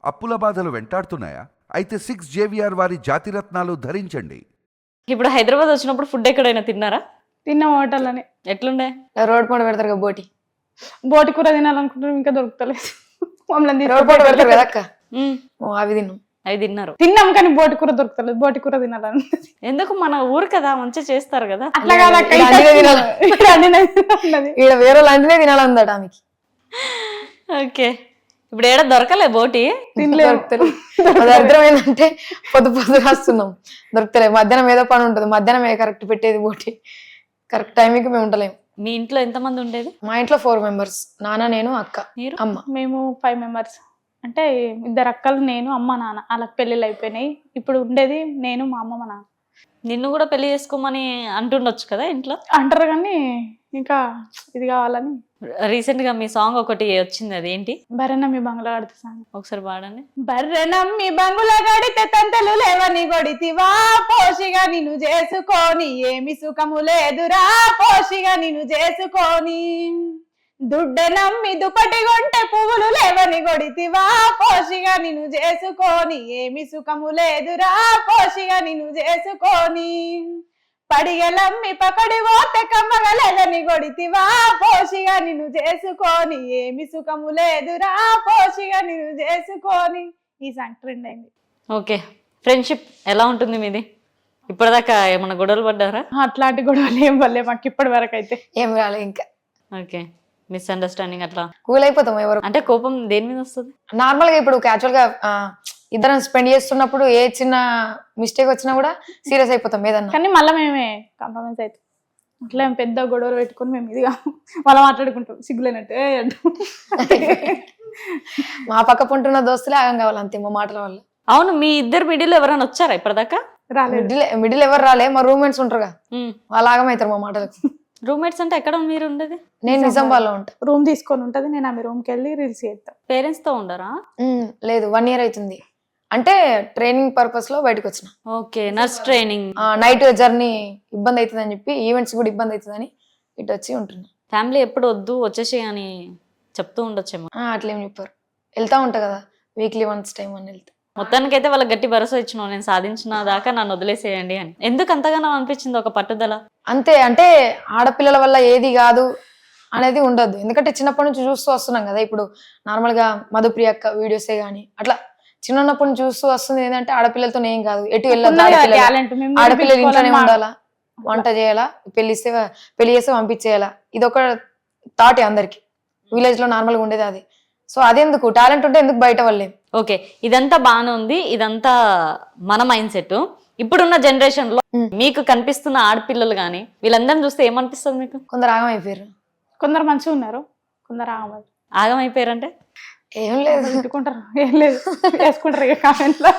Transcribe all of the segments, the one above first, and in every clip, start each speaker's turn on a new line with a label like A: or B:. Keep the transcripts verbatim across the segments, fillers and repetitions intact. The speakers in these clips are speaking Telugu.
A: అప్పుల బాధలు వెంటాడుతున్నాయా? అయితే సిక్స్ జేవిఆర్ వారి జాతిరత్నాలు ధరించండి.
B: ఇప్పుడు హైదరాబాద్ వచ్చినప్పుడు ఫుడ్ ఎక్కడైనా తిన్నారా?
C: తిన్న హోటల్ అని
B: ఎట్లుండే?
D: రోడ్ పండు పెడతారు కదా బోటి
C: బోటి కూర తినాలనుకుంటున్నాం, ఇంకా దొరుకుతలేదు. మమ్మల్ని
D: రోడ్ పండు పెడతారు కదా అక్క,
B: ఉమ్,
D: ఓ అవి తిన్నాం.
B: అవి తిన్నారు.
C: తిన్నాం కానీ బోటి కూర దొరుకుతలేదు. బోటి కూర తినాలని
B: ఎందుకు? మన ఊరు కదా, మంచిగా చేస్తారు కదా.
C: అట్లా కాదు అక్క,
D: ఇలా అన్నీ తినాలి.
C: ఇక్కడ అన్నీ తినాలన్నది.
D: ఈడ వేరే లాంటిదే తినాలందట ఆమెకి.
B: ఓకే, ఇప్పుడు ఏడ దొరకలే బోటి.
D: దొరుకుతలేదు. అది అర్థం ఏంటంటే పొద్దు పొద్దు రాస్తున్నాం, దొరుకుతలేదు. మధ్యాహ్నం ఏదో పని ఉంటుంది, మధ్యాహ్నం ఏ కరెక్ట్ పెట్టేది బోటి, కరెక్ట్ టైంకి మేము ఉండలేము.
B: మీ ఇంట్లో ఎంతమంది ఉండేది?
D: మా ఇంట్లో ఫోర్ మెంబర్స్, నాన్న, నేను, అక్క,
B: మీరు?
D: అమ్మ.
C: మేము ఫైవ్ మెంబర్స్, అంటే ఇద్దరు అక్కలు, నేను, అమ్మ, నాన్న. వాళ్ళకి పెళ్ళిళ్ళు అయిపోయినాయి. ఇప్పుడు ఉండేది నేను, మా అమ్మ, మా నాన్న.
B: నిన్ను కూడా పెళ్లి చేసుకోమని అంటుండొచ్చు కదా ఇంట్లో.
C: అంటారు కానీ ఇంకా ఇది కావాలని.
B: రీసెంట్ గా మీ సాంగ్ ఒకటి వచ్చింది, అది ఏంటి?
C: బర్రెనమ్మి బంగ్లా కడితే సాంగ్
B: ఒకసారి పాడండి.
C: బర్రెనమ్మి బంగుల గడితే తంతలు లేవని గొడితివా, పోషిగా నిన్ను చేసుకొని ఏమి సుఖము లేదురా, పోషిగా నిన్ను చేసుకొని. దుడ్డనమ్మి దుపటి గొంటె పువ్వులు లేవని గొడితివా, పోషిగా నిన్ను చేసుకొని ఏమి సుఖము లేదురా, పోషిగా నిన్ను చేసుకొని. పడిగలమ్మి పకడి పోతే కమ్మగలేదని గొడితివా, పోషిగా నిన్ను చేసుకొని ఏమి సుఖము లేదురా, పోషిగా నిన్ను చేసుకొని. ఈ సాంగ్ ట్రెండ్ అయింది.
B: ఓకే, ఫ్రెండ్షిప్ ఎలా ఉంటుంది మీది? ఇప్పటిదాకా ఏమన్నా గొడవలు పడ్డారా?
C: అట్లాంటి గొడవలు ఏం వల్లే మాకు ఇప్పటి వరకు అయితే.
D: ఏం రాలే ఇంకా.
B: ఓకే, మిస్అండర్స్టాండింగ్ అట్లా
D: కూల్ అయిపోతాం ఎవరు.
B: అంటే కోపం దేని మీద వస్తుంది?
D: నార్మల్ గా ఇప్పుడు క్యాజువల్ గా ఆ, ఇద్దరం స్పెండ్ చేస్తున్నప్పుడు ఏ చిన్న మిస్టేక్ వచ్చినా కూడా సీరియస్ అయిపోతాం ఏదన్నా.
C: కానీ మళ్ళీ మేమే కాంప్రమైజ్ అవుతాం. అట్లా ఏం పెద్ద గొడవలు పెట్టుకొని మేము ఇదిగా మళ్ళీ మాట్లాడుకుంటాం సిగ్గులేనట్టు. ఏ అంటాం.
D: మా పక్క పుంటున్న దోస్తులే ఆగం కావాలి అంతే మా మాటల వల్ల.
B: అవును, మీ ఇద్దరు మిడిల్ ఎవరైనా వచ్చారా ఇప్పటిదాకా?
C: రాలేదు.
D: మిడిల్ మిడిల్ ఎవరు రాలే, మా రూమ్మేట్స్ ఉంటారుగా వాళ్ళు ఆగం అవుతారు మా మాటలకు.
B: రూమ్మేట్స్ అంటే ఎక్కడ మీరు ఉండేది?
D: నేను నిజామాబాద్ లో ఉంటా.
C: రూమ్ తీసుకొని ఉంటది, నేను ఆమె రూమ్కి వెళ్ళి రీల్స్ చేస్తాను.
B: పేరెంట్స్ తో ఉండరా?
D: ఉమ్, లేదు, వన్ ఇయర్ అవుతుంది. అంటే ట్రైనింగ్ పర్పస్ లో బయటకు వచ్చిన.
B: Okay, nurse training.
D: Night journey ఇబ్బంది అవుతుంది అని చెప్పి, ఈవెంట్స్ కూడా ఇబ్బంది అవుతుంది అని ఇటు వచ్చి ఉంటున్నా.
B: ఫ్యామిలీ ఎప్పుడు వద్దు వచ్చేసి అని చెప్తూ ఉండొచ్చేమో.
D: అట్లేం చెప్పారు, వెళ్తా ఉంటా కదా వీక్లీ వన్స్ టైం అని వెళ్తా.
B: మొత్తానికి అయితే వాళ్ళకి గట్టి భరోసా ఇచ్చినావు, నేను సాధించిన దాకా నన్ను వదిలేసేయండి అని. ఎందుకు అంతగానో అనిపించింది ఒక పట్టుదల?
D: అంతే, అంటే ఆడపిల్లల వల్ల ఏది కాదు అనేది ఉండదు. ఎందుకంటే చిన్నప్పటి నుంచి చూస్తూ వస్తున్నాం కదా. ఇప్పుడు నార్మల్ గా మధుప్రియ అక్క వీడియోసే గానీ అట్లా చిన్నప్పటి నుంచి చూస్తూ వస్తుంది ఏంటంటే ఆడపిల్లలతో ఏం కాదు, ఎటు వెళ్ళదు, ఆడపిల్లలు ఇంట్లోనే ఉండాలా, వంట చేయాలా, పెళ్లిస్తే పెళ్లి చేస్తే పంపించేయాలా, ఇది ఒక థాటే అందరికి. విలేజ్ లో నార్మల్ గా ఉండేది అది. సో అదెందుకు, టాలెంట్ ఉంటే ఎందుకు బయట వాళ్ళే.
B: ఓకే, ఇదంతా బాగానే ఉంది, ఇదంతా మన మైండ్ సెట్. ఇప్పుడున్న జనరేషన్ లో మీకు కనిపిస్తున్న ఆడపిల్లలు గానీ వీళ్ళందరిని చూస్తే ఏమనిపిస్తుంది మీకు?
D: కొందరు ఆగం అయిపోయారు,
C: కొందరు మంచిగా ఉన్నారు, కొందరు ఆగం
B: ఆగం అయిపోయారంటే
D: ఏం లేదు,
C: తిట్టుకుంటారు, ఏం లేదు వేసుకుంటారు ఇక కామెంట్ లో.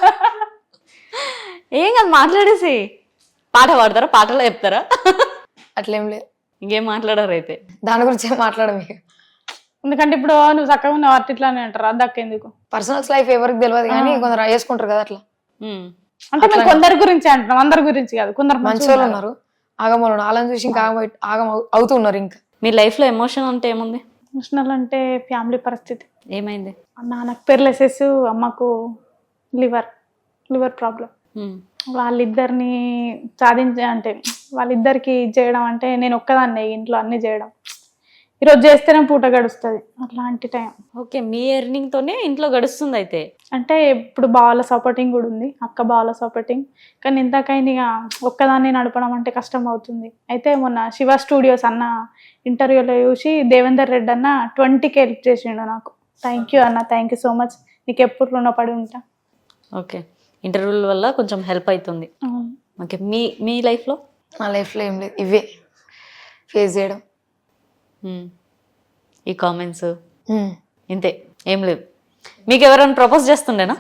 B: ఏం కాదు, మాట్లాడేసి పాట పాడతారా, పాటలో చెప్తారా?
D: అట్లేం లేదు.
B: ఇంకేం మాట్లాడారు అయితే?
D: దాని గురించి ఏం మాట్లాడము.
C: ఎందుకంటే ఇప్పుడు నువ్వు చక్కగా ఉన్నావు అట్లా ఇట్లానే అంటారు, అద్దక్క ఎందుకు?
D: పర్సనల్స్ లైఫ్ ఎవరికి తెలియదు కానీ కొందరు వేసుకుంటారు కదా అట్లా.
C: అంటే మేము కొందరి గురించి అంటున్నాం, అందరి గురించి కాదు. కొందరు
D: మంచి వాళ్ళు ఉన్నారు, ఆగమలు ఉన్నారు, వాళ్ళని చూసి ఇంకా ఆగం ఆగం అవుతున్నారు. ఇంకా
B: మీ లైఫ్ లో ఎమోషన్ అంటే ఏముంది?
C: ఎమోషనల్ అంటే ఫ్యామిలీ పరిస్థితి.
B: ఏమైంది?
C: నాన్నకు పెర్లెసెస్, అమ్మకు లివర్ లివర్ ప్రాబ్లం. వాళ్ళిద్దరిని సాధించే అంటే వాళ్ళిద్దరికి చేయడం అంటే నేను ఒక్కదాన్నే ఇంట్లో అన్ని చేయడం. ఈరోజు చేస్తేనే పూట గడుస్తుంది, అట్లాంటి టైం.
B: ఓకే, మీ ఎర్నింగ్ తోనే ఇంట్లో గడుస్తుంది అయితే?
C: అంటే ఇప్పుడు బావల సపోర్టింగ్ కూడా ఉంది, అక్క బావల సపోర్టింగ్. కానీ ఇంతకైనా ఇక ఒక్కదాన్ని నడపడం అంటే కష్టం అవుతుంది. అయితే మొన్న శివ స్టూడియోస్ అన్న ఇంటర్వ్యూలో చూసి దేవేందర్ రెడ్డి అన్న ట్వంటీకి హెల్ప్ చేసిండు నాకు. థ్యాంక్ యూ అన్న, థ్యాంక్ యూ సో మచ్, నీకు ఎప్పుడు రుణపడి ఉంటా.
B: ఓకే, ఇంటర్వ్యూల వల్ల కొంచెం హెల్ప్ అవుతుంది. ఓకే, మీ మీ లైఫ్లో?
D: నా లైఫ్లో ఏం లేదు, ఇవే ఫేస్ చేయడం,
B: ఈ కామెంట్స్ ఇంతే, ఏం లేదు. మీకు ఎవరైనా ప్రపోజ్ చేస్తుండేనా?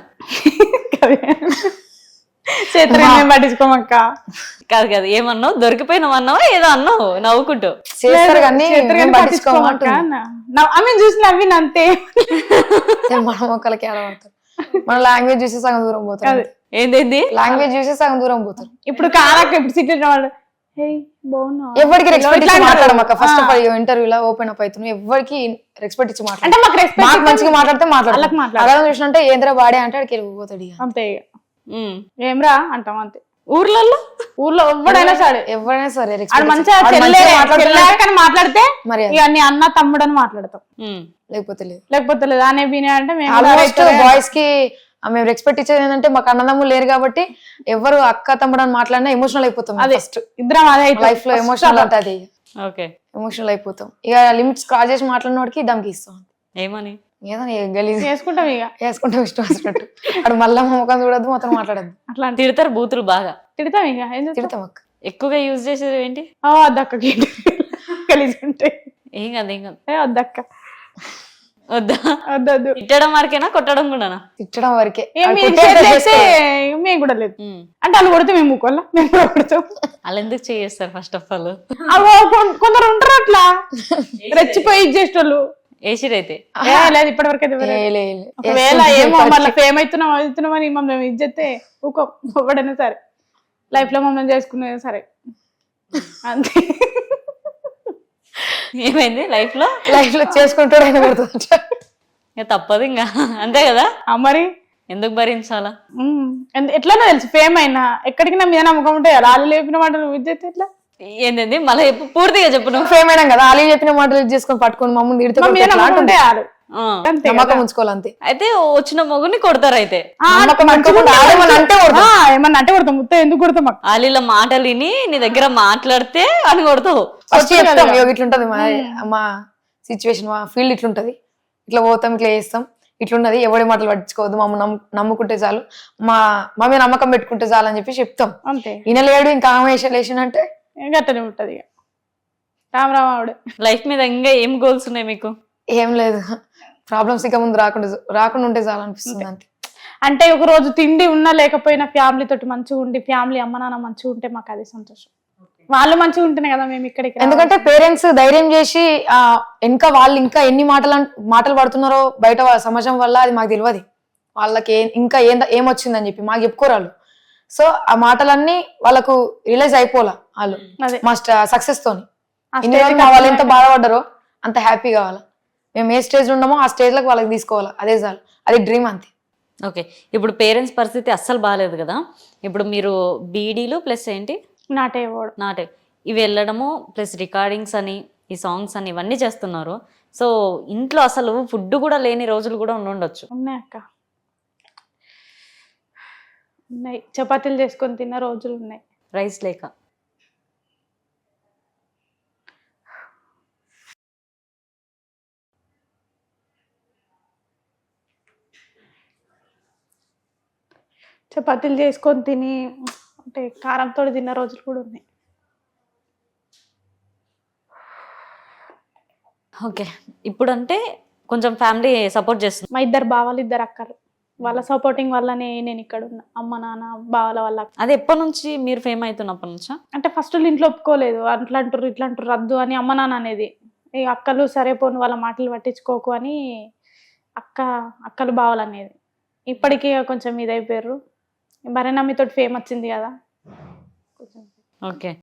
C: చేతులు పట్టించుకోమక్క.
B: కాదు కాదు, ఏమన్నావు? దొరికిపోయినావు అన్నావా ఏదో అన్నావు నవ్వుకుంటూ?
D: చేస్తారు కానీ
C: పట్టించుకోమక్క. ఆమె చూసి నవ్విన అంతే.
D: మన మొక్కలకి ఆడబడతారు, మన లాంగ్వేజ్ చూసి సగం దూరం పోతారు.
B: ఏందేంది?
D: లాంగ్వేజ్ చూసి సగం దూరం పోతారు.
C: ఇప్పుడు కారక్క ఇప్పుడు సిటీ వాళ్ళు
D: ఎవరికి రెస్పెక్ట్ ఇచ్చి మాట్లాడమక్క. ఫస్ట్ ఆఫ్ ఆల్ ఇంటర్వ్యూలో ఓపెన్ అప్ అవుతున్నాం, ఎవరికి రెస్పెక్ట్ ఇచ్చి మాట్లాడు.
C: అంటే మాకు రెస్పెక్ట్
D: మాకు మంచిగా మాట్లాడితే
C: వాళ్ళకి
D: మాట్లాడతాం.
C: మాట్లాడు.
D: అలా చూసినంటే ఏంద్రా బాడే అంటే అక్కడికి వెళ్ళిపోతాడు ఇక.
C: అంతే ఇక.
B: ఉమ్.
C: ఏమ్రా అంటాం అంతే.
B: ఊర్లలో
C: ఊర్లో ఎవడైనా సరే
D: ఎవరైనా సరే
C: ఆడు
D: respect
C: మంచిగా
D: ఇచ్చి- ఆడు
C: చెల్లె
D: మంచిగా మాట్లాడుతున్నాడు
C: చెల్లె కానీ మాట్లాడితే
D: మరి అది.
C: ఇక నీ అన్న తమ్ముడు అని మాట్లాడతాం,
B: ఉమ్.
D: లేకపోతే లేదు.
C: లేకపోతే లేదు అనే బీనే అంటే మేము కూడా
D: ఆల్మోస్ట్
C: రైతులే.
D: బాయ్స్ కి ఆ, మేము రెస్పెక్ట్ ఇచ్చేది ఏంటంటే మాకు అన్నదమ్ములు లేరు కాబట్టి ఎవరు అక్క తమ్ముడు అని మాట్లాడినా ఎమోషనల్ అయిపోతాం.
C: అదే
D: ఫస్ట్
C: ఇద్దరం అదే
D: లైఫ్ లో ఎమోషనల్ అంటే అది
B: ఓకే.
D: ఎమోషనల్ అయిపోతాం. ఇక లిమిట్స్ క్రాస్ చేసి మాట్లాడిన వాడికి దమ్కి ఇస్తాం.
B: ఏమని
D: ఏదో గలీజ్
C: చేసుకుంటాం ఇక
D: వేసుకుంటాం ఇష్టం వచ్చినట్టు. అక్కడ మళ్ళా ముఖం చూడద్దు, మొత్తం మాట్లాడద్దు.
C: అట్లా అంటే
B: తిడతారు బూతులు బాగా,
C: తిడతాం ఇక ఏం చేస్తాం?
D: తిడతాం అక్క.
B: ఎక్కువగా యూజ్ చేసేది ఏంటి?
C: ఆ, వద్దక్కకి కలిసి ఉంటాయి.
B: ఏం కాదు ఏం కాదు.
C: ఏ వద్దక్క
B: వద్దా?
C: వద్దొద్దు.
B: తిట్టడం వరకేనా కొట్టడం కూడానా?
D: తిట్టడం వరకే.
C: ఏం
D: అది
C: మీరు
D: కొట్టేస్తే
C: చేస్తే
D: చేసుకో.
C: మేము కూడా లేదు
B: ఉమ్.
C: అంటే వాళ్ళు కొడితే మేము ముక్కోళ్ళ మేము కూడా కొడతాం.
B: వాళ్ళు ఎందుకు చేస్తారు ఫస్ట్ ఆఫ్ ఆల్?
C: అవో కొం- కొందరు ఉంటారు అట్లా రెచ్చిపోయి ఇచ్చేటోళ్ళు.
B: ఏసిరైతే
C: ఏ లేదు ఇప్పటి వరకు అయితే
D: ఏ,
C: ఎవరు-
D: లే, లే.
C: ఒకవేళ
D: వేసుకుంటే
C: ఏమో
D: పట్టుకే.
C: మళ్ళీ ఫేమ్ అవుతున్నాం అవుతున్నాం అని మమ్మల్ని ఇచ్చేస్తే ఊకో ఒకడైనా సరే లైఫ్ లో మమ్మల్ని చేసుకునేది సరే అంతే.
B: ఏమైంది లైఫ్ లో?
D: లైఫ్ లో చేసుకుంటాడు ఆయన కొడుతుంట.
B: ఇక తప్పదు ఇంకా, అంతే కదా.
C: ఆ మరి
B: ఎందుకు భరించాలా?
C: ఉమ్, ఎందు- ఎట్లనో తెలుసు ఫేమ్ అయినా ఎక్కడికి నా మీద నమ్మకం ఉంటాయి. రాళ్ళు లేపిన మాట నువ్వు ఇచ్చేస్తే ఎట్లా?
B: ఏంటంది మళ్ళీ చెప్పు, పూర్తిగా చెప్పు నువ్వు.
D: ఫేమ్ అయినాం కదా, అలీ చెప్పిన మాటలు ఇది చేసుకొని పట్టుకొని మమ్మల్ని తిడితే
C: మా మీద
D: కొడితే ఎట్లా
C: నమ్మకం
D: అంటుంది.
C: ఉంటాయి వాళ్ళు
B: ఆ.
C: అంతే
D: నమ్మకం
C: కదా.
D: ఉంచుకోవాలి అంతే.
B: అయితే వచ్చిన మొగుని కొడతారు అయితే.
C: ఆ,
D: నమ్మకం
C: మంచిగా
D: పెట్టుకోకుండా
C: ఉంటే
D: ఆడేమని అంటే కొడతాం.
C: ఆ, ఏమన్నా అంటే కొడతాం ముత్త ఎందుకు కొడతాం మాకు
B: వాళ్ళ మాటలు విని నీ దగ్గర మాట్లాడితే అని కొడతావు.
D: ఫస్ట్ చెప్తాం ఇగో ఇట్లుంటది మా మా సిచ్యువేషన్, మా ఫీల్డ్ ఇట్లుంటది, ఇట్లా పోతాం, ఇట్లా చేస్తాం, ఇట్లున్నది, ఎవడి మాటలు పట్టించుకోవద్దు, మమ్మల్ని నమ్ము నమ్ముకుంటే చాలు, మా మా మీద నమ్మకం పెట్టుకుంటే చాలు అని చెప్పి చెప్తాం.
C: అంతే
D: వినలేడు ఇంకా ఆమె అంటే
C: గట్టనే ఉంటది ఇక రామరామావుడు.
B: లైఫ్ మీద ఇంకా ఏం గోల్స్ ఉన్నాయి మీకు?
D: ఏం లేదు, ప్రాబ్లమ్స్ ఇక ముందు రాకుండా రాకుండా ఉంటే చాలు అనిపిస్తుంది అంతే.
C: అంటే ఒక రోజు తిండి ఉన్నా లేకపోయినా ఫ్యామిలీ తోటి మంచిగా ఉండి ఫ్యామిలీ అమ్మ నాన్న మంచిగా ఉంటే మాకు అది సంతోషం. వాళ్ళు మంచిగా ఉంటేనే కదా మేము ఇక్కడికి రావాలి.
D: ఎందుకంటే పేరెంట్స్ ధైర్యం చేసి ఆ ఇంకా వాళ్ళు ఇంకా ఎన్ని మాటలు అన్- మాటలు పడుతున్నారో బయట వాళ్ళ సమాజం వల్ల అది మాకు తెలియదు. వాళ్ళకి ఏ- ఇంకా ఏం ఏమొచ్చిందని చెప్పి మాకు చెప్పుకోరు వాళ్ళు. సో ఆ మాటలన్నీ వాళ్ళకు రిలైజ్ అయిపోలా వాళ్ళు
C: అదే
D: మా సక్సెస్ తోని.
C: ఆ
D: ఇన్ని
C: stage
D: రోజులు
C: కి
D: మా వాళ్ళు ఎంత
C: వచ్చినాక-
D: బాధపడ్డారో అంత హ్యాపీ కావాలా. మేము ఏ స్టేజ్ ఉన్నామో ఆ స్టేజ్ లకు వాళ్ళకి తీసుకోవాలా, అదే చాలు, అది డ్రీమ్ అంతే.
B: ఓకే, ఇప్పుడు పేరెంట్స్ పరిస్థితి అస్సలు బాగాలేదు కదా. ఇప్పుడు మీరు బీడీలు ప్లస్ ఏంటి
C: నాటే పోవడం
B: నాటే ఇవి వెళ్ళడము ప్లస్ రికార్డింగ్స్ అని ఈ సాంగ్స్ అని ఇవన్నీ చేస్తున్నారు. సో ఇంట్లో అసలు ఫుడ్ కూడా లేని రోజులు కూడా ఉండుండొచ్చు.
C: ఉన్నాయి అక్క, ఉన్నాయి. చపాతీలు చేసుకొని తిన్న రోజులు ఉన్నాయి.
B: రైస్ లేక.
C: చపాతీలు చేసుకొని తిని అంటే కారంతో తిన్న రోజులు కూడా ఉన్నాయి.
B: ఓకే, ఇప్పుడు అంటే కొంచెం ఫ్యామిలీ సపోర్ట్ చేస్తుంది.
C: మా ఇద్దరు బావాలు ఇద్దరు అక్కలు వాళ్ళ సపోర్టింగ్ వల్లనే నేను ఇక్కడ ఉన్నా. అమ్మ నాన్న బావల వల్ల.
B: అది ఎప్పటి నుంచి మీరు ఫేమ్ అవుతున్నప్పటి నుంచా?
C: అంటే ఫస్ట్ ఇంట్లో ఒప్పుకోలేదు, అట్లా అంటారు ఇట్లా అంటారు రద్దు అని అమ్మ నాన్న అనేది. ఈ అక్కలు సరే పోను వాళ్ళ మాటలు పట్టించుకోకు అని అక్క అక్కలు బావలు అనేది. ఇప్పటికీ కొంచెం ఇదైపోయారు. భరణమ్మితోటి ఫేమ్ వచ్చింది కదా కొంచెం.
B: ఓకే.